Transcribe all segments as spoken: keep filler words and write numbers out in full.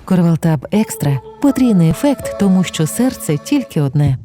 Корвалтаб Екстра – потрійний ефект, тому що серце тільки одне.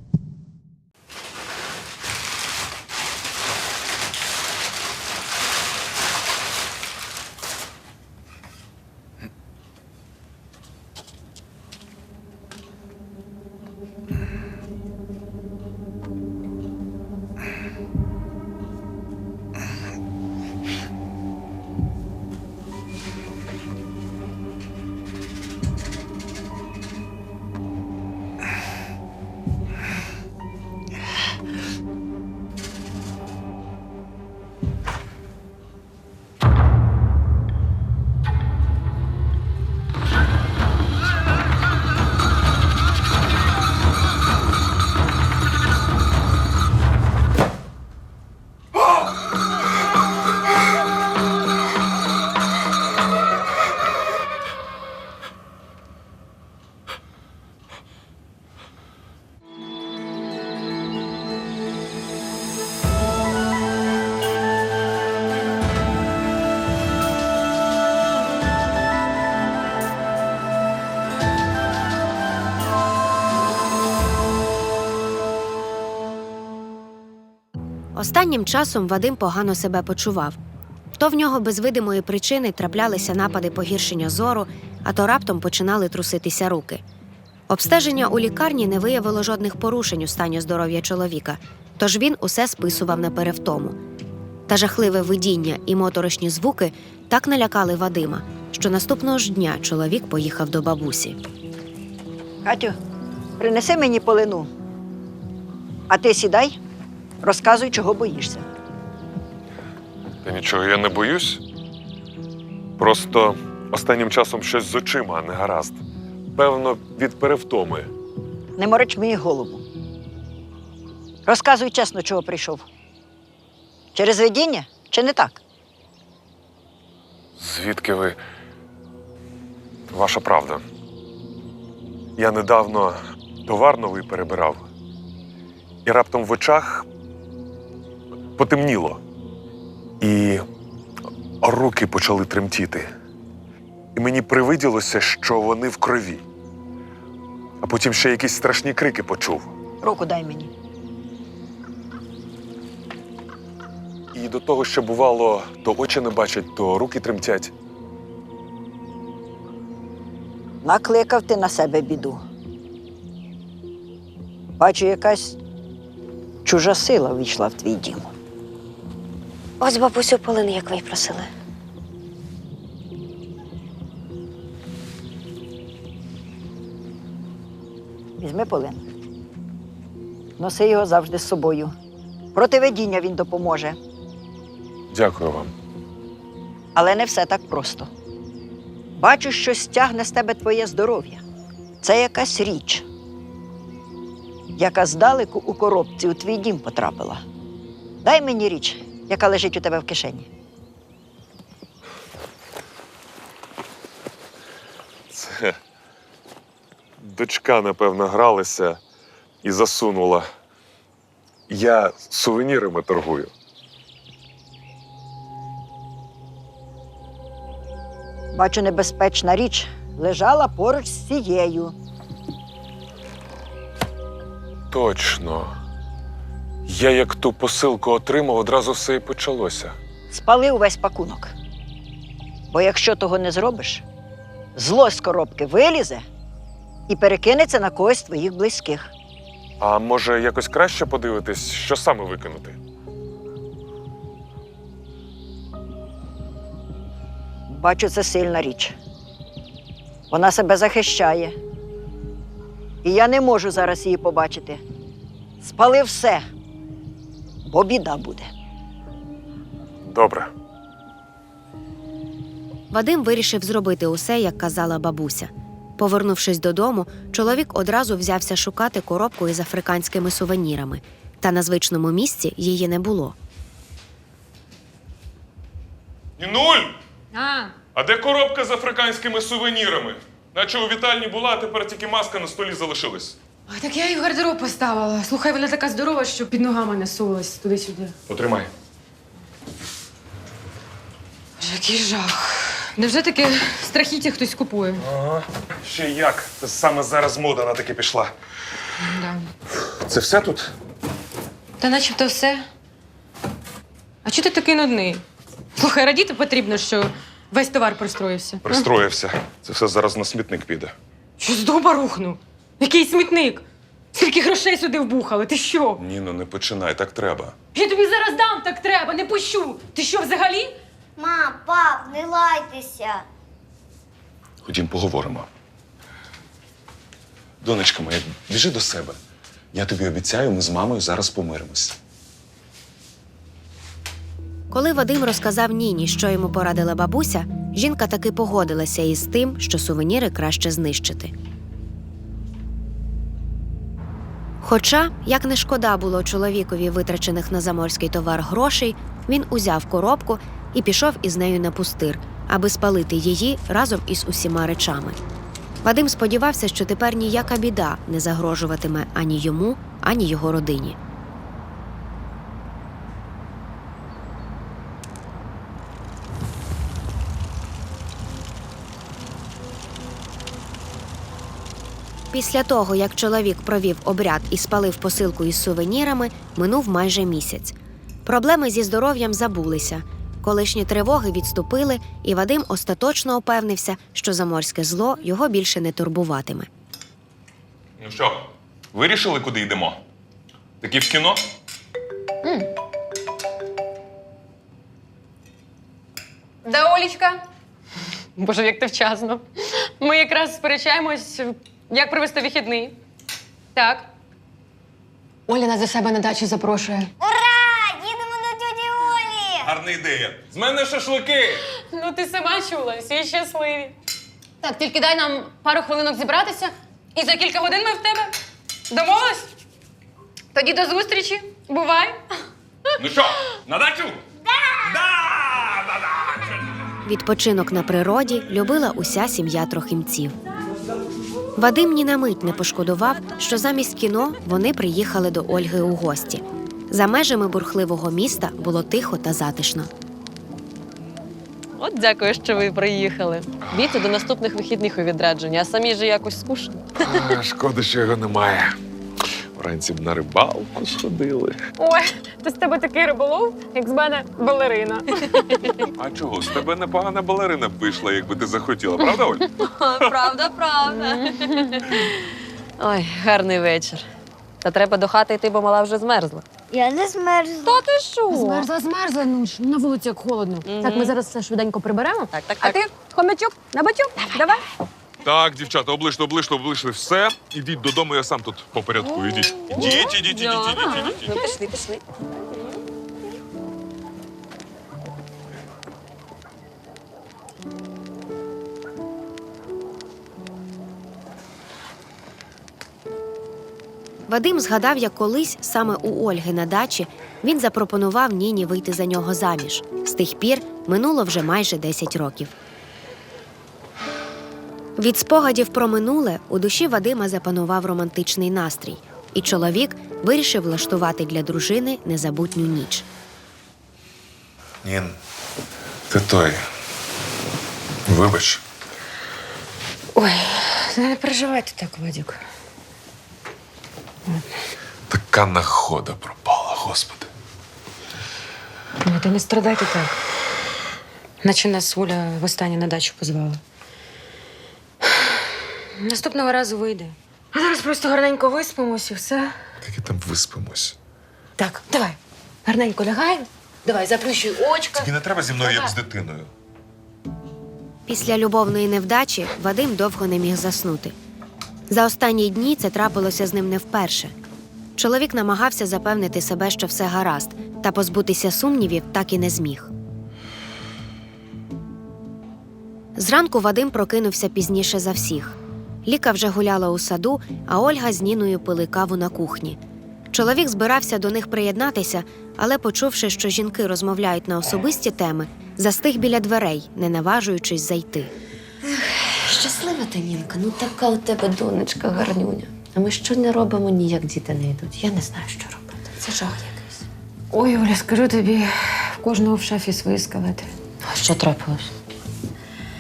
Останнім часом Вадим погано себе почував. То в нього без видимої причини траплялися напади погіршення зору, а то раптом починали труситися руки. Обстеження у лікарні не виявило жодних порушень у стані здоров'я чоловіка, тож він усе списував на перевтому. Та жахливе видіння і моторошні звуки так налякали Вадима, що наступного ж дня чоловік поїхав до бабусі. Катю, принеси мені полину. А ти сідай, розказуй, чого боїшся. Та нічого, я не боюсь. Просто останнім часом щось з очима не гаразд. Певно, від перевтоми. Не мороч мені голову. Розказуй чесно, чого прийшов. Через видіння чи не так? Звідки ви? Ваша правда. Я недавно товар новий перебирав. І раптом в очах потемніло. І руки почали тремтіти. І мені привиділося, що вони в крові. А потім ще якісь страшні крики почув. Руку дай мені. І до того, що бувало, то очі не бачать, то руки тремтять. Накликав ти на себе біду. Бачу, якась чужа сила війшла в твій дім. Ось бабусю полини, як ви й просили. Візьми полин. Носи його завжди з собою. Проти видіння він допоможе. Дякую вам. Але не все так просто. Бачу, що стягне з тебе твоє здоров'я. Це якась річ, яка здалеку у коробці у твій дім потрапила. Дай мені річ, яка лежить у тебе в кишені. Це дочка, напевно, гралася і засунула. Я сувенірами торгую. Бачу, небезпечна річ лежала поруч з цією. Точно. Я як ту посилку отримав, одразу все і почалося. Спали увесь пакунок. Бо якщо того не зробиш, зло з коробки вилізе і перекинеться на когось з твоїх близьких. А може, якось краще подивитись, що саме викинути? Бачу, це сильна річ. Вона себе захищає. І я не можу зараз її побачити. Спали все, бо біда буде. Добре. Вадим вирішив зробити усе, як казала бабуся. Повернувшись додому, чоловік одразу взявся шукати коробку із африканськими сувенірами. Та на звичному місці її не було. Нінуль! А, А де коробка з африканськими сувенірами? Наче у вітальні була, а тепер тільки маска на столі залишилась. ой, так я її в гардероб поставила. Слухай, вона така здорова, що під ногами не сулась туди-сюди. Потримай. Боже, який жах. Невже таки страхіття хтось купує? Ага. Ще як? Це саме зараз мода на таке пішла. Да. Це все тут? Та начебто все. А чого ти такий нудний? Слухай, радіти потрібно, що весь товар пристроївся. Пристроївся. Це все зараз на смітник піде. Що з дуба рухнув? Який смітник? Скільки грошей сюди вбухали? Ти що? Ні, ну не починай, так треба. Я тобі зараз дам, так треба, не пущу. Ти що, взагалі? Мам, пап, не лайтеся. Ходім, поговоримо. Донечка моя, біжи до себе. Я тобі обіцяю, ми з мамою зараз помиримось. Коли Вадим розказав Ніні, що йому порадила бабуся, жінка таки погодилася із тим, що сувеніри краще знищити. Хоча, як не шкода було чоловікові витрачених на заморський товар грошей, він узяв коробку і пішов із нею на пустир, аби спалити її разом із усіма речами. Вадим сподівався, що тепер ніяка біда не загрожуватиме ані йому, ані його родині. Після того, як чоловік провів обряд і спалив посилку із сувенірами, минув майже місяць. Проблеми зі здоров'ям забулися. Колишні тривоги відступили, і Вадим остаточно упевнився, що заморське зло його більше не турбуватиме. Ну що, вирішили, куди йдемо? Таки в кіно? Да, Олічка. Боже, як ти вчасно. Ми якраз сперечаємось, як провести вихідний. Так. Оля нас до себе на дачу запрошує. Ура! Їдемо до тьоті Олі! Гарна ідея. З мене шашлики! Ну, ти сама чула, всі щасливі. Так, тільки дай нам пару хвилинок зібратися, і за кілька годин ми в тебе. Домовились? Тоді до зустрічі. Бувай. Ну що, на дачу? Да! Да! На дачу! Відпочинок на природі любила уся сім'я Трохимців. Вадим ні на мить не пошкодував, що замість кіно вони приїхали до Ольги у гості. За межами бурхливого міста було тихо та затишно. От дякую, що ви приїхали. Бійте до наступних вихідних у відрядження, а самі ж якось скучно. А, шкода, що його немає. Вранці б на рибалку сходили. Ой, то з тебе такий риболов, як з мене балерина. А чого? З тебе непогана балерина б вийшла, якби ти захотіла, правда, Оль? Правда, правда. Ой, гарний вечір. Та треба до хати йти, бо мала вже змерзла. Я не змерзла. Та ти що? Змерзла, змерзла, ну ж, на вулиці як холодно. Мгм. Так, ми зараз все швиденько приберемо. Так, так, А так. ти, хомячок, на батюк, давай. Так, дівчата, облишно, облишно, облишли все. Ідіть додому, я сам тут по порядку. Ідіть. Ідіть, ідіть, ідіть, ідіть, ідіть, ідіть. Ну, пішли, пішли. Вадим згадав, як колись саме у Ольги на дачі він запропонував Ніні вийти за нього заміж. З тих пір минуло вже майже десять років. Від спогадів про минуле у душі Вадима запанував романтичний настрій, і чоловік вирішив влаштувати для дружини незабутню ніч. Нін, ти той. Вибач. Ой, не переживайте так, Вадюк. Така нагода пропала, господи. Ну, та не страдайте так. Наче нас Оля востаннє на дачу позвала. Наступного разу вийде. А зараз просто гарненько виспимось і все. Таки там виспимось. Так, давай. Гарненько лягаємо. Давай, заплющуй очка. Тобі не треба зі мною, як Давай. з дитиною. Після любовної невдачі Вадим довго не міг заснути. За останні дні це трапилося з ним не вперше. Чоловік намагався запевнити себе, що все гаразд, та позбутися сумнівів так і не зміг. Зранку Вадим прокинувся пізніше за всіх. Ліка вже гуляла у саду, а Ольга з Ніною пили каву на кухні. Чоловік збирався до них приєднатися, але, почувши, що жінки розмовляють на особисті теми, застиг біля дверей, не наважуючись зайти. Щаслива ти, Нінка, ну така у тебе донечка гарнюня. А ми що не робимо, ніяк діти не йдуть. Я не знаю, що робити. Це жах якийсь. Ой, Оля, скажу тобі, в кожного в шафі свої скелети. А що трапилось?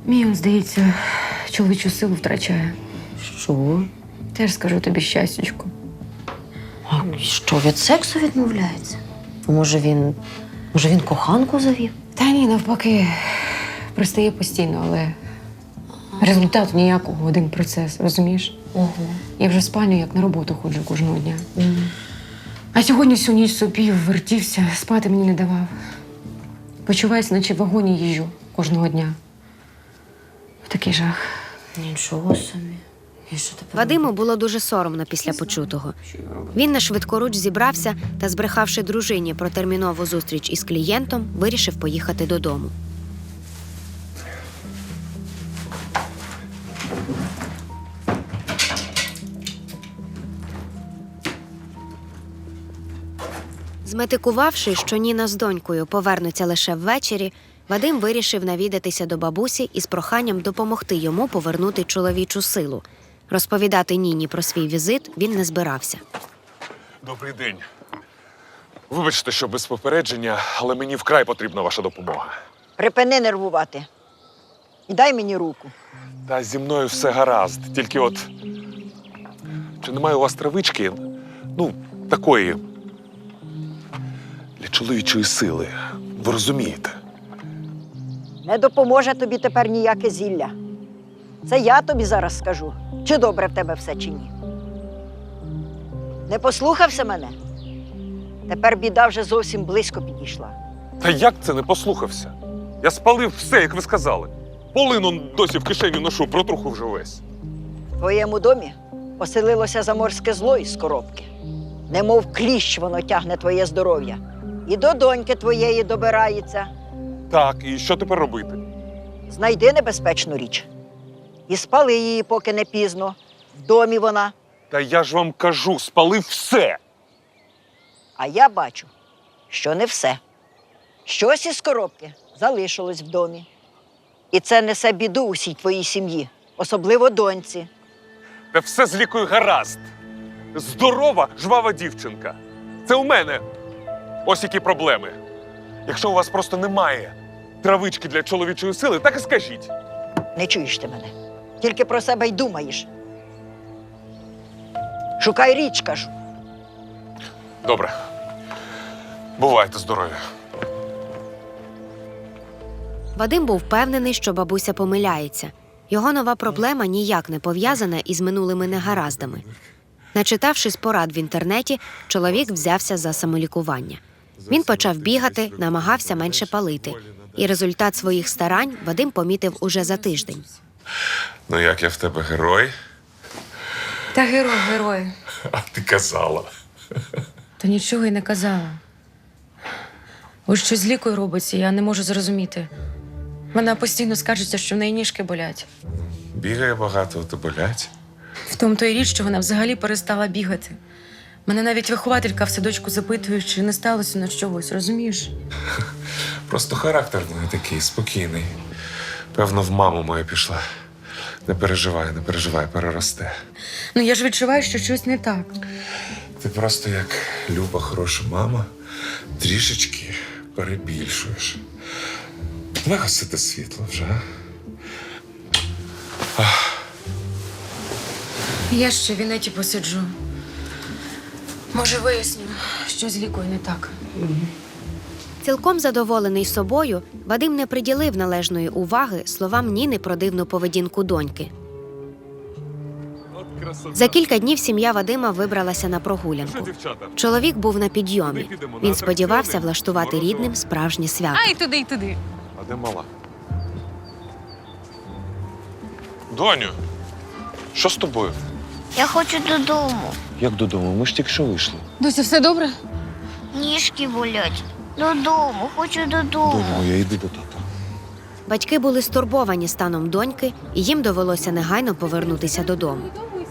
Мій, он, здається, чоловічу силу втрачає. Що? Теж скажу тобі щастячко. А що, від сексу відмовляється? Може, він. Може, він коханку завів? Та ні, навпаки, пристає постійно, але результату ніякого, один процес, розумієш? Угу. Я вже в спальню, як на роботу ходжу кожного дня. А сьогодні всю ніч сопів, вертівся, спати мені не давав. Почуваюся, наче в вагоні їжджу кожного дня. Такий жах. Нічого собі. І що тепер? Вадиму було дуже соромно після почутого. Він на швидкоруч зібрався та, збрехавши дружині про термінову зустріч із клієнтом, вирішив поїхати додому. Зметикувавши, що Ніна з донькою повернуться лише ввечері, Вадим вирішив навідатися до бабусі із проханням допомогти йому повернути чоловічу силу. Розповідати Ніні про свій візит він не збирався. Добрий день. Вибачте, що без попередження, але мені вкрай потрібна ваша допомога. Припини нервувати. І дай мені руку. Та зі мною все гаразд. Тільки от. Чи немає у вас травички? Ну, такої. Для чоловічої сили. Ви розумієте? Не допоможе тобі тепер ніяке зілля. Це я тобі зараз скажу, чи добре в тебе все, чи ні. Не послухався мене? Тепер біда вже зовсім близько підійшла. Та як це не послухався? Я спалив все, як ви сказали. Полину досі в кишені ношу, протруху вже весь. В твоєму домі поселилося заморське зло із коробки. Немов кліщ воно тягне твоє здоров'я. І до доньки твоєї добирається. Так, і що тепер робити? Знайди небезпечну річ. І спали її, поки не пізно. В домі вона. Та я ж вам кажу, спалив все. А я бачу, що не все. Щось із коробки залишилось в домі. І це несе біду усій твоїй сім'ї, особливо доньці. Та все з лікою гаразд. Здорова, жвава дівчинка. Це у мене. Ось які проблеми. Якщо у вас просто немає травички для чоловічої сили, так і скажіть. Не чуєш ти мене. Тільки про себе й думаєш. Шукай річ, кажу. Добре. Бувайте здорові. Вадим був впевнений, що бабуся помиляється. Його нова проблема ніяк не пов'язана із минулими негараздами. Начитавшись порад в інтернеті, чоловік взявся за самолікування. Він почав бігати, намагався менше палити. І результат своїх старань Вадим помітив уже за тиждень. Ну як я в тебе герой? Та герой, герой. А ти казала. Та нічого й не казала. Ось що з лікою робиться, я не можу зрозуміти. Вона постійно скаржиться, що в неї ніжки болять. Бігає багато, то болять. В тому то й річ, що вона взагалі перестала бігати. Мене навіть вихователька в садочку запитує, чи не сталося на чогось, розумієш? Просто характер в неї такий, спокійний. Певно, в маму моя пішла. Не переживай, не переживай, переросте. Ну я ж відчуваю, що щось не так. Ти просто як люба, хороша мама, трішечки перебільшуєш. Давай гасити світло вже, а? Я ще в інеті посиджу. Може, виясню, що з лікою не так. Цілком задоволений собою, Вадим не приділив належної уваги словам Ніни про дивну поведінку доньки. За кілька днів сім'я Вадима вибралася на прогулянку. Чоловік був на підйомі. Він сподівався влаштувати рідним справжнє свято. А, і туди, і туди. А де мала? Доню, що з тобою? Я хочу додому. Як додому? Ми ж тільки що вийшли. Дося, все добре? Ніжки болять. Додому, хочу додому. я йду до тата. Батьки були стурбовані станом доньки, і їм довелося негайно повернутися додому.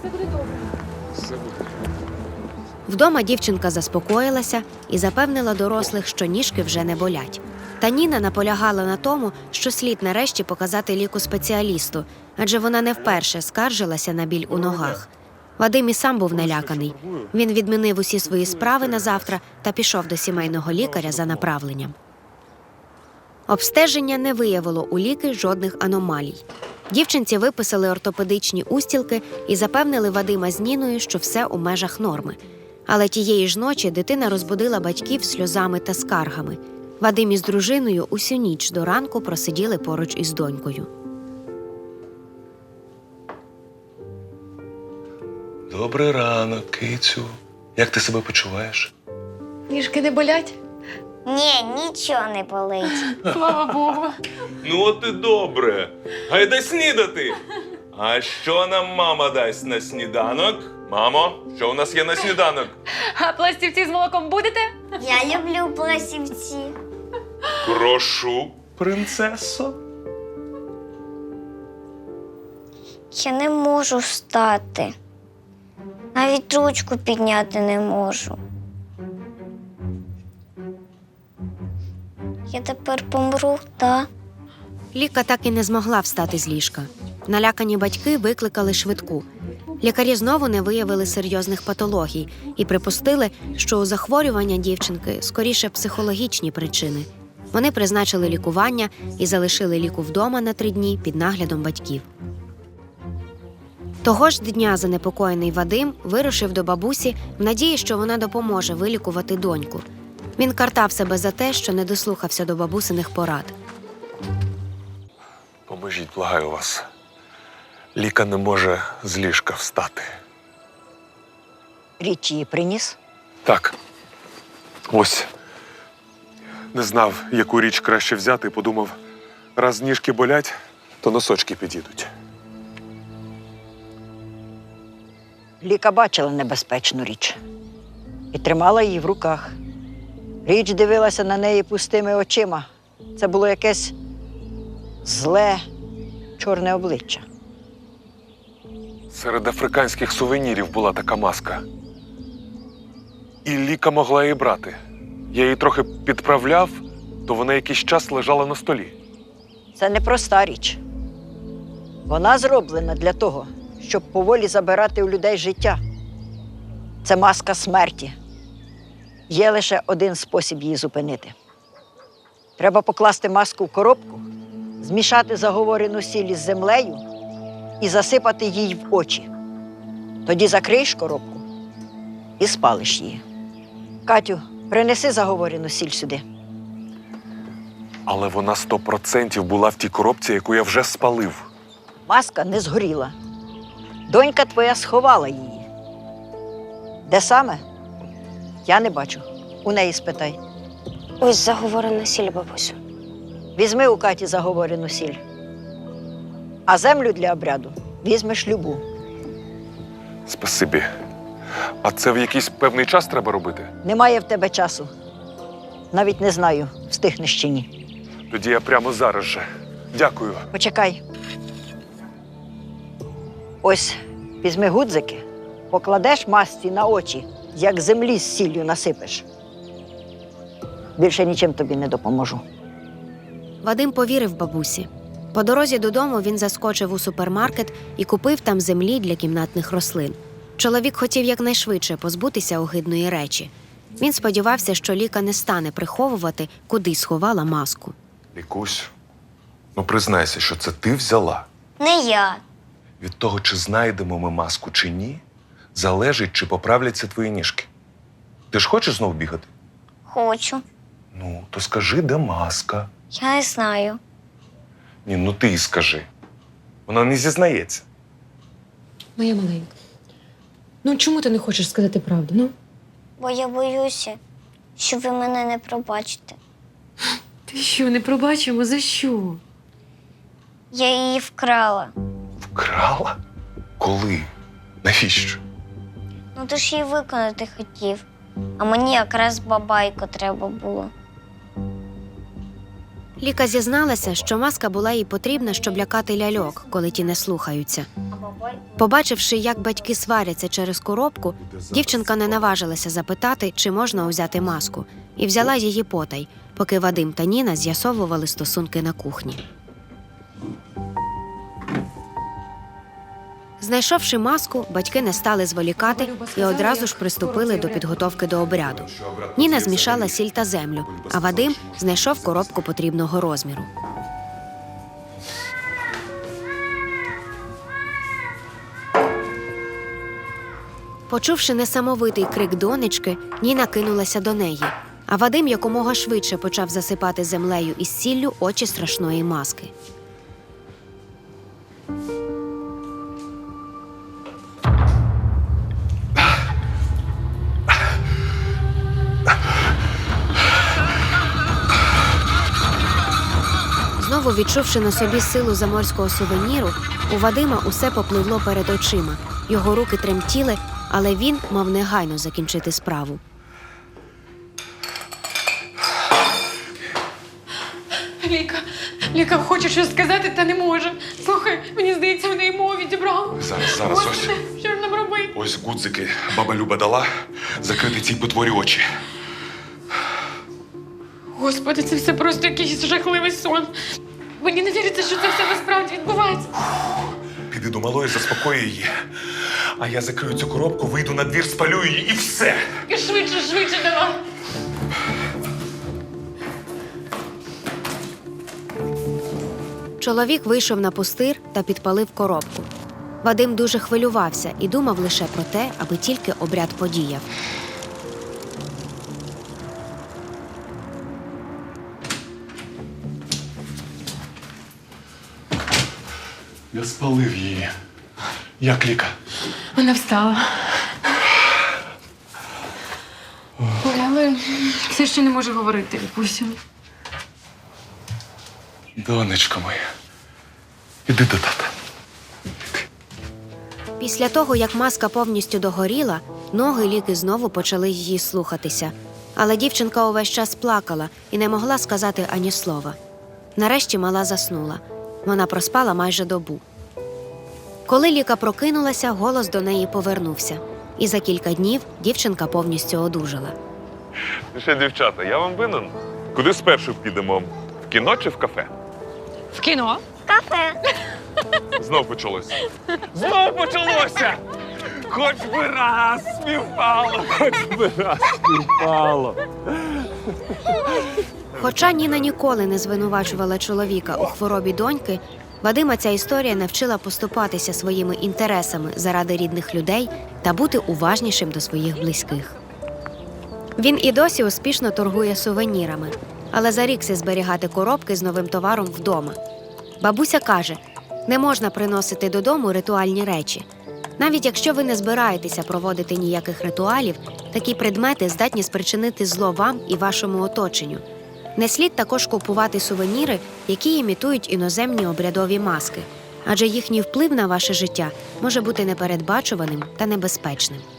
Вдома дівчинка заспокоїлася і запевнила дорослих, що ніжки вже не болять. Та Ніна наполягала на тому, що слід нарешті показати ліку спеціалісту, адже вона не вперше скаржилася на біль у ногах. Вадим і сам був наляканий. Він відмінив усі свої справи на завтра та пішов до сімейного лікаря за направленням. Обстеження не виявило у Ліки жодних аномалій. Дівчинці виписали ортопедичні устілки і запевнили Вадима з Ніною, що все у межах норми. Але тієї ж ночі дитина розбудила батьків сльозами та скаргами. Вадим із дружиною усю ніч до ранку просиділи поруч із донькою. Добрий ранок, кицю. Як ти себе почуваєш? Ніжки не болять? Ні, нічого не болить. Слава Богу. Ну от і добре. Гайда снідати. А що нам мама дасть на сніданок? Мамо, що у нас є на сніданок? А пластівці з молоком будете? Я люблю пластівці. Прошу, принцесо. Я не можу встати. Навіть ручку підняти не можу. Я тепер помру, так? Ліка так і не змогла встати з ліжка. Налякані батьки викликали швидку. Лікарі знову не виявили серйозних патологій і припустили, що у захворювання дівчинки скоріше психологічні причини. Вони призначили лікування і залишили Ліку вдома на три дні під наглядом батьків. Того ж дня занепокоєний Вадим вирушив до бабусі в надії, що вона допоможе вилікувати доньку. Він картав себе за те, що не дослухався до бабусиних порад. Поможіть, благаю вас. Ліка не може з ліжка встати. Річ її приніс. Так. Ось. Не знав, яку річ краще взяти, і подумав, раз ніжки болять, то носочки підійдуть. Ліка бачила небезпечну річ і тримала її в руках. Річ дивилася на неї пустими очима. Це було якесь зле, чорне обличчя. Серед африканських сувенірів була така маска. І Ліка могла її брати. Я її трохи підправляв, то вона якийсь час лежала на столі. Це не проста річ. Вона зроблена для того, щоб поволі забирати у людей життя. Це маска смерті. Є лише один спосіб її зупинити. Треба покласти маску в коробку, змішати заговорену сіль із землею і засипати їй в очі. Тоді закриєш коробку і спалиш її. Катю, принеси заговорену сіль сюди. Але вона сто процентів була в тій коробці, яку я вже спалив. Маска не згоріла. Донька твоя сховала її. Де саме? Я не бачу. У неї спитай. Ось заговорена сіль, бабусю. Візьми у Каті заговорену сіль. А землю для обряду візьмеш любу. Спасибі. А це в якийсь певний час треба робити? Немає в тебе часу. Навіть не знаю, встигнеш чи ні. Тоді я прямо зараз же. Дякую. Почекай. Ось візьми гудзики, покладеш масці на очі, як землі з сіллю насипеш. Більше нічим тобі не допоможу. Вадим повірив бабусі. По дорозі додому він заскочив у супермаркет і купив там землі для кімнатних рослин. Чоловік хотів якнайшвидше позбутися огидної речі. Він сподівався, що Ліка не стане приховувати, куди сховала маску. Лікусь, ну признайся, що це ти взяла. Не я. Від того, чи знайдемо ми маску чи ні, залежить, чи поправляться твої ніжки. Ти ж хочеш знов бігати? Хочу. Ну, то скажи, де маска. Я не знаю. Ні, ну ти й скажи. Вона не зізнається. Моя маленька. Ну чому ти не хочеш сказати правду? Ну? Бо я боюся, що ви мене не пробачите. Ти що, не пробачимо? За що? Я її вкрала. Вкрала? Коли? Навіщо? Ну ти ж її виконати хотів. А мені якраз бабайко треба було. Ліка зізналася, що маска була їй потрібна, щоб лякати ляльок, коли ті не слухаються. Побачивши, як батьки сваряться через коробку, дівчинка не наважилася запитати, чи можна узяти маску, і взяла її потай, поки Вадим та Ніна з'ясовували стосунки на кухні. Знайшовши маску, батьки не стали зволікати і одразу ж приступили до підготовки до обряду. Ніна змішала сіль та землю, а Вадим знайшов коробку потрібного розміру. Почувши несамовитий крик донечки, Ніна кинулася до неї, а Вадим якомога швидше почав засипати землею із сіллю очі страшної маски. Знову відчувши на собі силу заморського сувеніру, у Вадима усе попливло перед очима. Його руки тремтіли, але він мав негайно закінчити справу. Ліка, Ліка хоче щось сказати, та не може. Слухай, мені здається, в неї мову відібрав. Зараз, зараз, ось. Господи, що ж нам робити? Ось гудзики баба Люба дала закрити цій потворі очі. Господи, це все просто якийсь жахливий сон. Мені не віриться, що це все насправді відбувається. Піди до малої, заспокої її. А я закрию цю коробку, вийду на двір, спалю її і все. І швидше, швидше давай. Чоловік вийшов на пустир та підпалив коробку. Вадим дуже хвилювався і думав лише про те, аби тільки обряд подіяв. Я спалив її. Як Ліка? Вона встала. Ой, але все ще не може говорити, Лікусю. Донечко моя, іди до тата. Після того, як маска повністю догоріла, ноги Ліки знову почали її слухатися. Але дівчинка увесь час плакала і не могла сказати ані слова. Нарешті мала заснула. Вона проспала майже добу. Коли Ліка прокинулася, голос до неї повернувся. І за кілька днів дівчинка повністю одужала. Ну що, дівчата, я вам винен. Куди спершу підемо? В кіно чи в кафе? В кіно? Кафе. Знов почалося. Знов почалося! Хоч би раз співпало! Хоч би раз співпало! Хоча Ніна ніколи не звинувачувала чоловіка у хворобі доньки, Вадима ця історія навчила поступатися своїми інтересами заради рідних людей та бути уважнішим до своїх близьких. Він і досі успішно торгує сувенірами, але зарікся зберігати коробки з новим товаром вдома. Бабуся каже, не можна приносити додому ритуальні речі. Навіть якщо ви не збираєтеся проводити ніяких ритуалів, такі предмети здатні спричинити зло вам і вашому оточенню. Не слід також купувати сувеніри, які імітують іноземні обрядові маски, адже їхній вплив на ваше життя може бути непередбачуваним та небезпечним.